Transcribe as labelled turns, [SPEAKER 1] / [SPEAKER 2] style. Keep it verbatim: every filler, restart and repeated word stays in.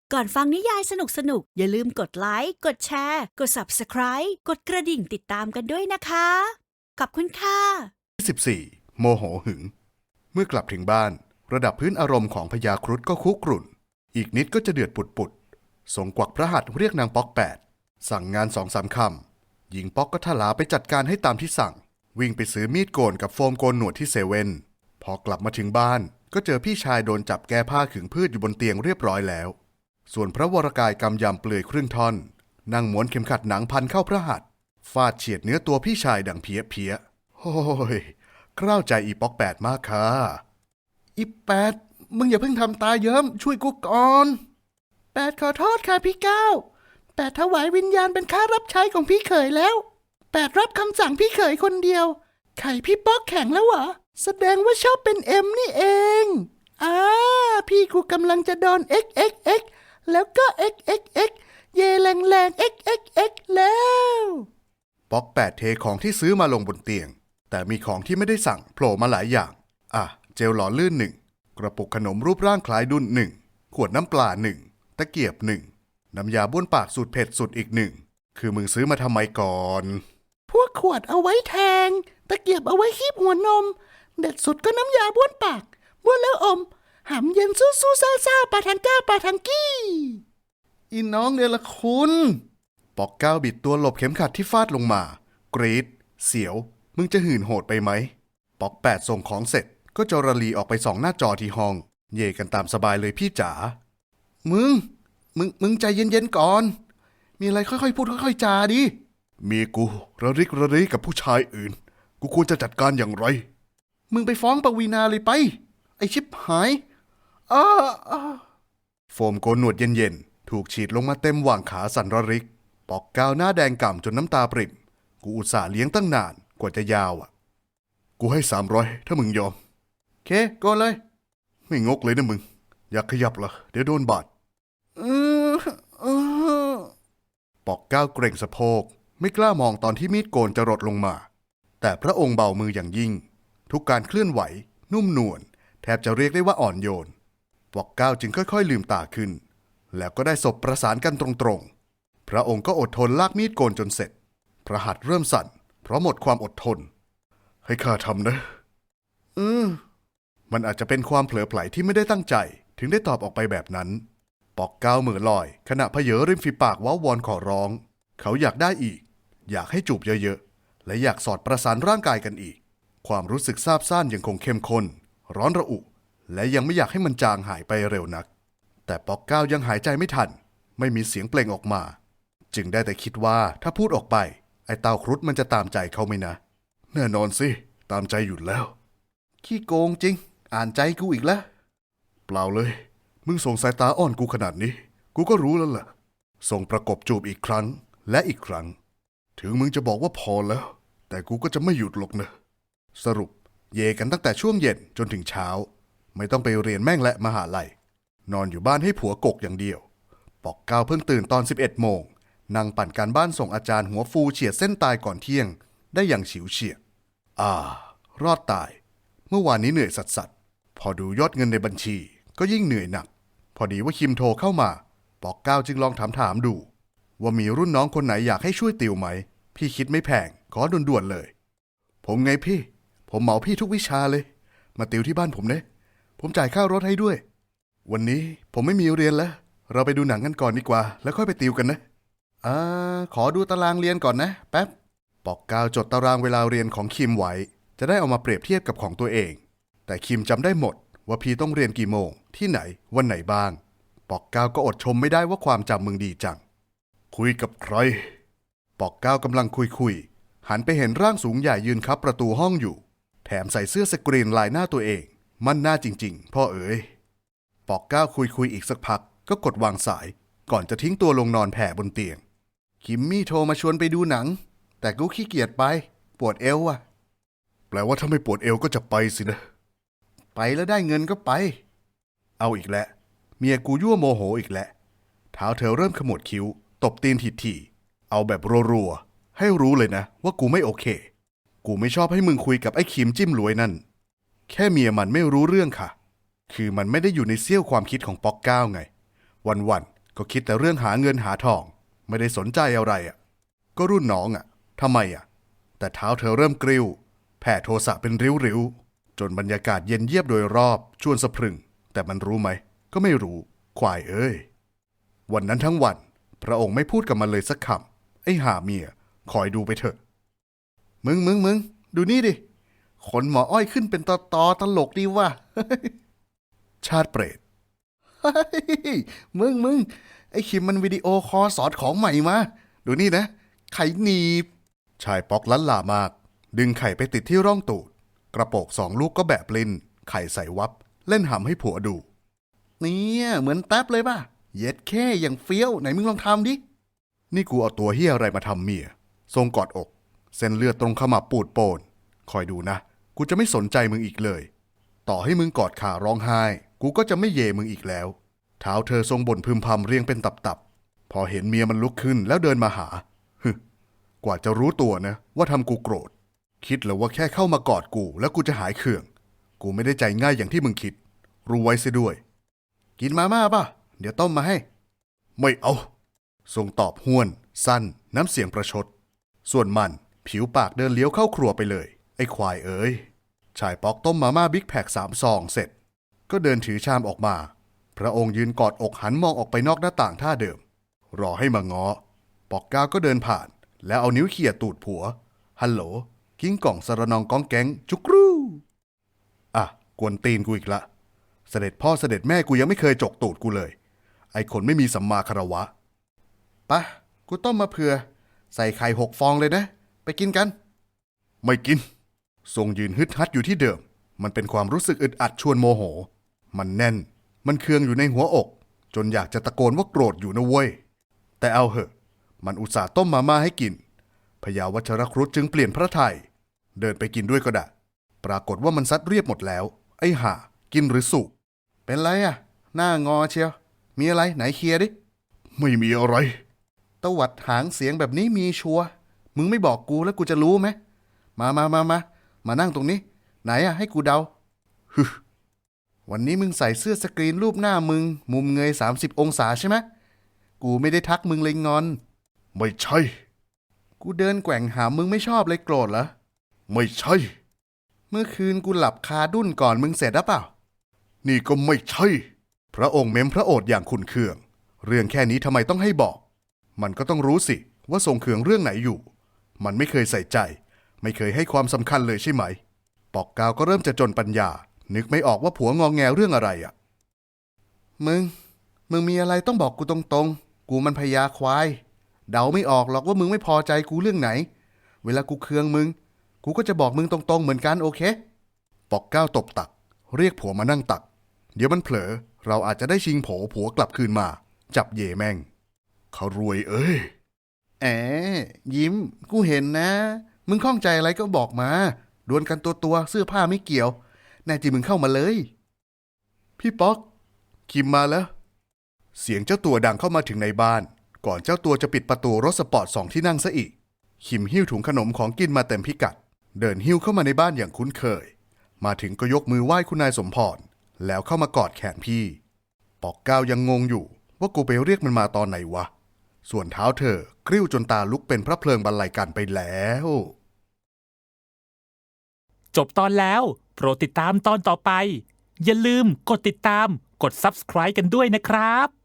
[SPEAKER 1] ก่อนฟังนิยายสนุกๆอย่าลืมกดไลค์ กดแชร์ กด ซับสไครบ์ กดกระดิ่งติดตามกันด้วยนะคะ ขอบคุณค่ะ
[SPEAKER 2] สิบสี่ โมโหหึง เมื่อกลับถึงบ้านระดับพื้นอารมณ์ของพญาครุฑก็คุกรุ่นอีกนิดก็จะเดือดปุดๆส่งกวักพระหัตถ์เรียกนางป๊อกแปดสั่งงานสองสามคำหญิงป๊อกก็ทลาไปจัดการให้ตามที่สั่งวิ่งไปซื้อมีดโกนกับโฟมโกนหนวดที่เซเว่นพอกลับมาถึงบ้านก็เจอพี่ชายโดนจับแก้ผ้าขึงพืชอยู่บนเตียงเรียบร้อยแล้วส่วนพระวรกายกำยำเปลือยครึ่งท่อนนั่งม้วนเข็มขัดหนังพันเข้าพระหัตถ์ฟาดเฉียดเนื้อตัวพี่ชายดังเพี้ยเพี้ยโอ้ยกล้าวใจอีป๊อกแปดมากค่ะอีแปดมึงอย่าเพิ่งทำตาเยิ้มช่วยกูก่อนแปดขอโทษค่ะพี่เก้าแปดถวายวิญญาณเป็นข้ารับใช้ของพี่เขยแล้วแปดรับคำสั่งพี่เขยคนเดียวไข่พี่ป๊อกแข็งแล้วเหรอแสดงว่าชอบเป็นเอ็มนี่เองอ่าพี่กูกำลังจะโดน XXX แล้วก็ XXX เยแรงแรง XXX แล้วป๊อกแปดเทของที่ซื้อมาลงบนเตียงแต่มีของที่ไม่ได้สั่งโผล่มาหลายอย่างอ่ะเจลหล่อลื่นหนึ่งกระปุกขนมรูปร่างคล้ายดุนหนึ่งขวดน้ำปลาหนึ่งตะเกียบหนึ่งน้ำยาบ้วนปากสูตรเผ็ดสุดอีกหนึ่งคือมึงซื้อมาทำไมก่อนพวกขวดเอาไว้แทงตะเกียบเอาไว้คีบหัวนมเด็ดสุดก็น้ำยาบ้วนปากบ้วนแล้วอมหำเย็นสู้สู้ซ่าซ่าปาทังก้าปาทังกี้อีน้องเนี่ยละคุณปอกก้าวบิดตัวหลบเข็มขัดที่ฟาดลงมากรีดเสียวมึงจะหื่นโหดไปไหมปอกแปดส่งของเสร็จก็จรลีออกไปส่องหน้าจอที่ห้องเย่กันตามสบายเลยพี่จ๋ามึงมึงมึงใจเย็นๆก่อนมีอะไรค่อยๆพูดค่อยๆจาดิมีกูระริกระรีกับผู้ชายอื่นกูควรจะจัดการอย่างไรมึงไปฟ้องปวีณาเลยไปไอชิบหายอ้าโฟมโกนหนวดเย็นๆถูกฉีดลงมาเต็มหว่างขาสันระริกปอกก้าวหน้าแดงก่ำจนน้ำตาปริ่มกูอุตส่าห์เลี้ยงตั้งนานกว่าจะยาวอ่ะกูให้สามร้อยถ้ามึงยอมเคโกนเลยไม่งกเลยนะมึงอยากขยับเหรอเดี๋ยวโดนบาดปอกก้าวเกรงสะโพกไม่กล้ามองตอนที่มีดโกนจะรดลงมาแต่พระองค์เบามืออย่างยิ่งทุกการเคลื่อนไหวนุ่มนวลแทบจะเรียกได้ว่าอ่อนโยนปอกก้าวจึงค่อยๆลืมตาขึ้นแล้วก็ได้ศพประสานกันตรงๆพระองค์ก็อดทนลากมีดโกนจนเสร็จพระหัตถ์เริ่มสั่นเพราะหมดความอดทนให้ข้าทำนะอืมมันอาจจะเป็นความเผลอไผลที่ไม่ได้ตั้งใจถึงได้ตอบออกไปแบบนั้นปอกก้าวเหมือลอยขณะเผยริมฝีปากว้าวอนขอร้องเขาอยากได้อีกอยากให้จูบเยอะๆและอยากสอดประสานร่างกายกันอีกความรู้สึกซาบซ่านยังคงเข้มข้นร้อนระอุและยังไม่อยากให้มันจางหายไปเร็วนักแต่ปอกก้าวยังหายใจไม่ทันไม่มีเสียงเปล่งออกมาจึงได้แต่คิดว่าถ้าพูดออกไปไอ้เต้าครุฑมันจะตามใจเขาไหมนะแน่นอนสิตามใจอยู่แล้วขี้โกงจริงอ่านใจกูอีกแล้วเปล่าเลยมึงส่งสายตาอ่อนกูขนาดนี้กูก็รู้แล้วล่ะส่งประกบจูบอีกครั้งและอีกครั้งถึงมึงจะบอกว่าพอแล้วแต่กูก็จะไม่หยุดหรอกนะสรุปเยกันตั้งแต่ช่วงเย็นจนถึงเช้าไม่ต้องไปเรียนแม่งและมหาลัยนอนอยู่บ้านให้ผัวกกอย่างเดียวปอกก้าวเพิ่งตื่นตอนสิบเอ็ดโมงนั่งปั่นการบ้านส่งอาจารย์หัวฟูเฉียดเส้นตายก่อนเที่ยงได้อย่างฉิวเฉียดอ่ารอดตายเมื่อวานนี้เหนื่อยสัสสัสพอดูยอดเงินในบัญชีก็ยิ่งเหนื่อยหนักพอดีว่าคิมโทรเข้ามาปอกก้าวจึงลองถามถามดูว่ามีรุ่นน้องคนไหนอยากให้ช่วยติวไหมพี่คิดไม่แพงขอด่วนๆเลยผมไงพี่ผมเหมาพี่ทุกวิชาเลยมาติวที่บ้านผมเนะผมจ่ายค่ารถให้ด้วยวันนี้ผมไม่มีเรียนแล้วเราไปดูหนังกันก่อนดีกว่าแล้วค่อยไปติวกันนะอ่าขอดูตารางเรียนก่อนนะแป๊บปอกก้าวจดตารางเวลาเรียนของคิมไว้จะได้เอามาเปรียบเทียบกับของตัวเองแต่คิมจำได้หมดว่าพี่ต้องเรียนกี่โมงที่ไหนวันไหนบ้างปอกก้าวก็อดชมไม่ได้ว่าความจำมึงดีจังคุยกับใครปอกก้าวกำลังคุยคุยหันไปเห็นร่างสูงใหญ่ยืนคับประตูห้องอยู่แถมใส่เสื้อสกรีนลายหน้าตัวเองมั่นหน้าจริงๆพ่อเอ๋ยปอกก้าวคุยคุยอีกสักพักก็กดวางสายก่อนจะทิ้งตัวลงนอนแผ่บนเตียงคิมมี่โทรมาชวนไปดูหนังแต่กูขี้เกียจไปปวดเอวว่ะแปลว่าถ้าไม่ปวดเอวก็จะไปสินะไปแล้วได้เงินก็ไปเอาอีกแล้วเมียกูยั่วโมโหอีกแล้วเท้าเธอเริ่มขมวดคิ้วตบตีนถี่ๆเอาแบบรัวๆให้รู้เลยนะว่ากูไม่โอเคกูไม่ชอบให้มึงคุยกับไอ้คิมจิ้มรวยนั่นแค่เมียมันไม่รู้เรื่องค่ะคือมันไม่ได้อยู่ในเสี้ยวความคิดของป๊อกก้าวไงวันก็คิดแต่เรื่องหาเงินหาทองไม่ได้สนใจอะไรอ่ะก็รุ่นน้องอ่ะทำไมอ่ะแต่เท้าเธอเริ่มกริ้วแผ่โทสะเป็นริ้วๆจนบรรยากาศเย็นเยียบโดยรอบชวนสะพรึงแต่มันรู้ไหมก็ไม่รู้ควายเอ้ยวันนั้นทั้งวันพระองค์ไม่พูดกับมันเลยสักคำไอ้ห่าเมียคอยดูไปเถอะมึงมึงมึงดูนี่ดิขนหมออ้อยขึ้นเป็นตอตอตลกดีว่ะ ชาติเปรต เฮ้ยมึงมึงไอ้คิมมันวิดีโอคอลสอนของใหม่มาดูนี่นะไข่หนีบชายป๊อกลั้นลามาก ดึงไข่ไปติดที่ร่องตูดกระโปกสองลูกก็แบบลิ้นไข่ใส่วับเล่นหำให้ผัวดูเนี่ยเหมือนแท็บเลยป่ะเย็ดแค่อย่างเฟี้ยวไหนมึงลองทำดินี่กูเอาตัวเฮียอะไรมาทำเมียทรงกอดอกเส้นเลือดตรงขมับปูดโปนคอยดูนะกูจะไม่สนใจมึงอีกเลยต่อให้มึงกอดขาร้องไห้กูก็จะไม่เยมึงอีกแล้วเท้าเธอทรงบ่นพึมพำเรียงเป็นตับๆพอเห็นเมียมันลุกขึ้นแล้วเดินมาหาฮึกว่าจะรู้ตัวนะว่าทำกูโกรธคิดเหรอว่าแค่เข้ามากอดกูแล้วกูจะหายเคืองกูไม่ได้ใจง่ายอย่างที่มึงคิดรู้ไว้เสียด้วยกินมาม่าป่ะเดี๋ยวต้มมาให้ไม่เอาทรงตอบห้วนสั้นน้ำเสียงประชดส่วนมันผิวปากเดินเลี้ยวเข้าครัวไปเลยไอ้ควายเอ๋ยชายป๊อกต้มมาม่าบิ๊กแพคสามซองเสร็จก็เดินถือชามออกมาพระองค์ยืนกอดอกหันมองออกไปนอกหน้าต่างท่าเดิมรอให้มาง้อปอกก้าวก็เดินผ่านแล้วเอานิ้วเขี่ยตูดผัวฮัลโหลกิ้งก่องสระนองก้องแก๊งจุกรูอ่ะกวนตีนกูอีกละเสด็จพ่อเสด็จแม่กูยังไม่เคยจกตูดกูเลยไอ้คนไม่มีสัมมาคารวะปะกูต้มมาเผื่อใส่ไข่หกฟองเลยนะไปกินกันไม่กินทรงยืนฮึดฮัดอยู่ที่เดิมมันเป็นความรู้สึกอึดอัดชวนโมโหมันแน่นมันเคืองอยู่ในหัวอกจนอยากจะตะโกนว่าโกรธอยู่นะเว้ยแต่เอาเหอะมันอุตส่าห์ต้มมาม่าให้กินพญาวัชรครุฑจึงเปลี่ยนพระทัยเดินไปกินด้วยก็ได้ปรากฏว่ามันซัดเรียบหมดแล้วไอ้ห่ากินหรือสุกเป็นไรอ่ะหน้างอเชียวมีอะไรไหนเคลียร์ดิไม่มีอะไรตวัดหางเสียงแบบนี้มีชัวมึงไม่บอกกูแล้วกูจะรู้ไหมมามามามามานั่งตรงนี้ไหนอ่ะให้กูเดาฮึวันนี้มึงใส่เสื้อสกรีนรูปหน้ามึงมุมเงยสามสิบองศาใช่ไหมกูไม่ได้ทักมึงเลยงอนไม่ใช่กูเดินแกว่งหามึงไม่ชอบเลยโกรธเหรอไม่ใช่เมื่อคืนกูหลับคาดุ้นก่อนมึงเสร็จหรือเปล่านี่ก็ไม่ใช่พระองค์เม้มพระโอษฐ์อย่างขุ่นเคืองเรื่องแค่นี้ทำไมต้องให้บอกมันก็ต้องรู้สิว่าทรงเคืองเรื่องไหนอยู่มันไม่เคยใส่ใจไม่เคยให้ความสำคัญเลยใช่ไหมปอกกาวก็เริ่มจะจนปัญญานึกไม่ออกว่าผัวงองแงเรื่องอะไรอ่ะมึงมึงมีอะไรต้องบอกกูตรงๆกูมันพญาควายเดาไม่ออกหรอกว่ามึงไม่พอใจกูเรื่องไหนเวลากูเคืองมึงกูก็จะบอกมึงตรงๆเหมือนกันโอเคปอกก้าวตบตักเรียกผัวมานั่งตักเดี๋ยวมันเผลอเราอาจจะได้ชิงโผผัวกลับคืนมาจับเย่แม่งเขารวยเอ้ยแอบยิ้มกูเห็นนะมึงข้องใจอะไรก็บอกมาดวลกันตัวตัวเสื้อผ้าไม่เกี่ยวแน่จริงมึงเข้ามาเลยพี่ป๊อกคิมมาแล้วเสียงเจ้าตัวดังเข้ามาถึงในบ้านก่อนเจ้าตัวจะปิดประตูรถสปอร์ตสองที่นั่งซะอีกคิมหิ้วถุงขนมของกินมาเต็มพิกัดเดินหิ้วเข้ามาในบ้านอย่างคุ้นเคยมาถึงก็ยกมือไหว้คุณนายสมพรแล้วเข้ามากอดแขนพี่ปอกก้าวยังงงอยู่ว่ากูไปเรียกมันมาตอนไหนวะส่วนเท้าเธอกริ้วจนตาลุกเป็นพระเพลิงบรรลัยกันไปแล้ว
[SPEAKER 3] จบตอนแล้วโปรดติดตามตอนต่อไปอย่าลืมกดติดตามกด ซับสไครบ์ กันด้วยนะครับ